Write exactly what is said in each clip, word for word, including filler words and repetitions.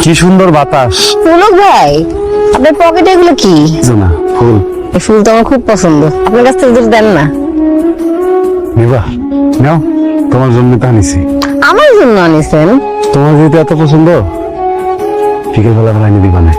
কি সুন্দর বাতাস। পুলক ভাই, আপনার পকেটে এগুলো কি? না, ফুল। এই ফুল তো আমার খুব পছন্দ, আপনার কাছ থেকে যদি দেন না। নিবা নাও, তোমার জন্য তো আনিছি। আমার জন্য আনিছেন? তোমার যেহেতু এত পছন্দ, বিকেল বেলা বেলা এনে দিবা না।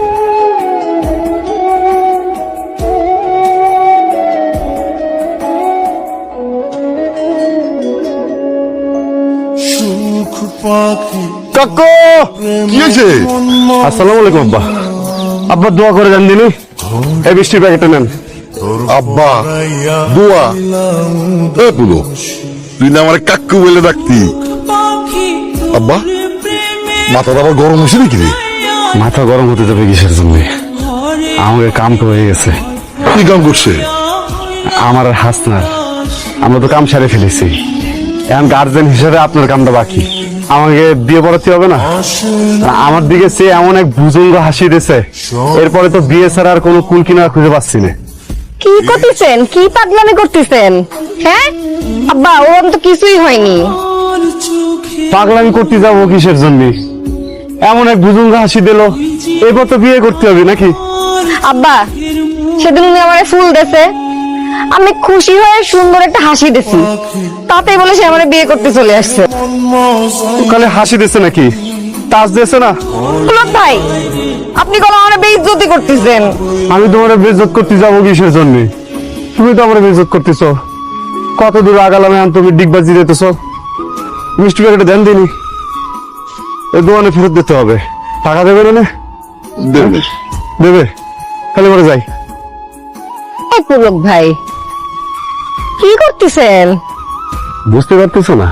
কাকু, কি হয়েছে? আসসালামু আলাইকুম আব্বা। আব্বা দোয়া করে দেন দিনি, এই বৃষ্টির প্যাকেটটা নেন। আব্বা দোয়া? এ পুলো, তুই না আমার কাকু বলে ডাকতি। আব্বা মাথাটা আবার গরম হয়েছে নাকি রে? মাথা গরম হতে যাবে কিসের জন্য? আমাকে কাম তো হয়ে গেছে। কি কাম করছে? আমার আর হাসনার, আমরা তো কাম সারে ফেলেছি। এখন গার্জেন হিসেবে আপনার কামটা বাকি। আমাকে বিয়ে পড়াতে হবে না? আমার দিকে সে এমন এক ভুজঙ্গ হাসি দিয়েছে, এরপরে তো বিয়ে ছাড়া আর কোনো কুল কিনারা খুঁজে পাচ্ছি না। কি করতেছেন? কি পাগলামি করতেছেন? হ্যাঁ আব্বা, ওরম তো কিছুই হয়নি। পাগলামি করতে যাবো কিসের জন্য? এমন এক ভুজঙ্গ হাসি দিল, এরপর তো বিয়ে করতে হবে নাকি? আব্বা, সেদিন উনি আমার ফুল দেছে, আমি খুশি হয়ে সুন্দর একটা হাসি দিছি, তাতে বলে সে আমার বিয়ে করতে চলে আসছে। কালে হাসি দিচ্ছে নাকি? তাজ দিয়েছে না? পুলক ভাই, আপনি কোনো আমার বেইজ্জতি করতেছেন। আমি তোমার বেইজ্জত করতে যাবো কিসের জন্য? তুমি তো আমার বেইজ্জত করতেছ। কত দূর আগালামে আন তুমি ডিগবাজি দিতেছ। মিষ্টি প্যাকেটে দেন দিনি, এই দোকানে ফেরত দিতে হবে। টাকা দেবে না? দেবে দেবে, খালি করে যাই। এই পুলক ভাই, কি করতেছেন? বুঝতে পারতেছো না?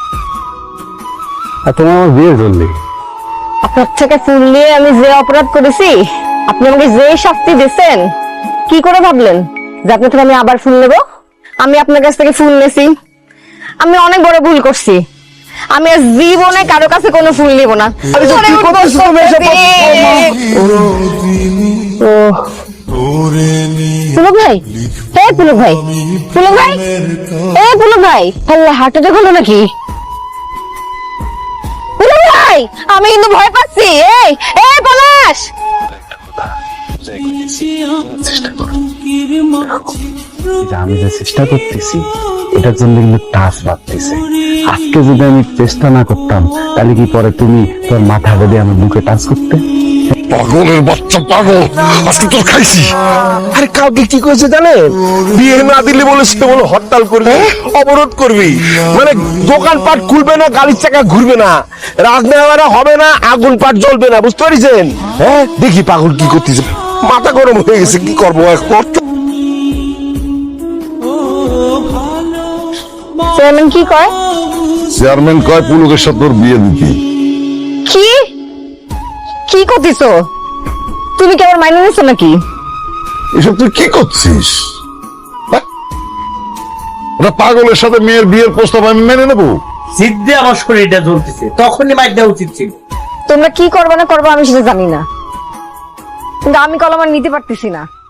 আর তোমার আমার বিয়ের জন্য। আপনার থেকে ফুল নিয়ে আমি যে অপরাধ করেছি, আপনি আমাকে যে শাস্তি দিয়েছেন, কি করে ভাবলেন যে আপনার থেকে আমি আবার ফুল নেব? আমি আপনার কাছ থেকে ফুল নেছি, আমি অনেক বড় ভুল করছি। আমি আর জীবনে কারো কাছে কোনো ফুল নিব না। পুলক ভাই, হে পুলক ভাই, পুলক ভাই, এ পুলক ভাই, আল্লাহ হার্ট অ্যাটাক হলো নাকি? পুলক ভাই, আমি কিন্তু ভয় পাচ্ছি। এই এই পলাশ, আমি যে চেষ্টা করতেছি, এটার জন্য কিন্তু টাচ বাড়তেছে। আজকে যদি আমি চেষ্টা না করতাম, তাহলে কি পরে তুমি তোর মাথা বেঁধে আমার বুকে টাচ করতে? পাগলের বাচ্চা পাগল, আজকে তোর খাইছি। আরে কাউকে কি করেছে জানেন? বিয়ে না দিলে বলে সে বলে হরতাল করবে, অবরোধ করবি, মানে দোকানপাট খুলবে না, গাড়ির চাকা ঘুরবে না, রাজনেওয়ারা হবে না, আগুন পাট জ্বলবে না, বুঝতে পারছেন? হ্যাঁ, দেখি পাগল কি করতেছে, মাথা গরম হয়ে গেছে, কি করবো এখন? চেয়ারম্যান কি কয়? চেয়ারম্যান কয় পুলকের সাথে তোর বিয়ে দিতি। কি কি করতেছো? তুমি কি আবার মাইনে নিচ্ছ নাকি? এসব তুই কি করছিস? হ্যাঁ? ওটা পাগলের সাথে মেয়ের বিয়ের প্রস্তাব আমি মেনে নেবো? জিদ্দে আমার শরীরটা জ্বলতেছে, তখনই মাইর দেওয়া উচিত ছিল। তোমরা কি করবে না করবে আমি সেটা জানি না, কিন্তু আমি কলম আর নিতে পারতেছি না।